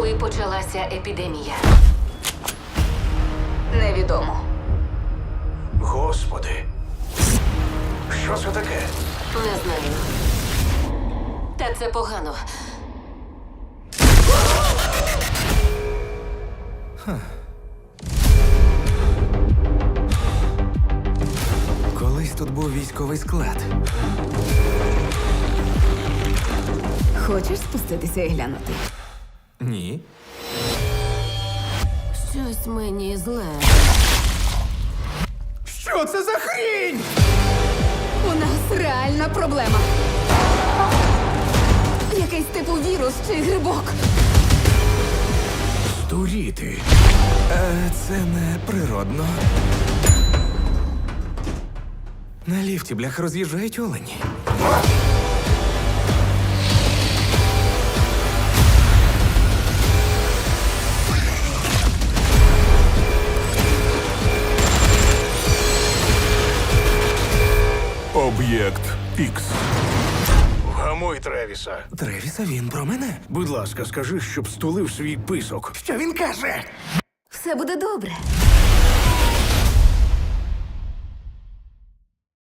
коли почалася епідемія? Невідомо. Господи. Що це таке? Не знаю. Та це погано. Колись тут був військовий склад. Хочеш спуститися і глянути? Ні. Щось мені зле. Що це за хрінь? У нас реальна проблема. Якийсь типу вірус чи грибок. Здуріти. Це не природно. На ліфті, блях, роз'їжджають олені. Об'єкт Ікс. Вгамуй Тревіса. Тревіса, він про мене. Будь ласка, скажи, щоб стулив свій писок. Що він каже? Все буде добре.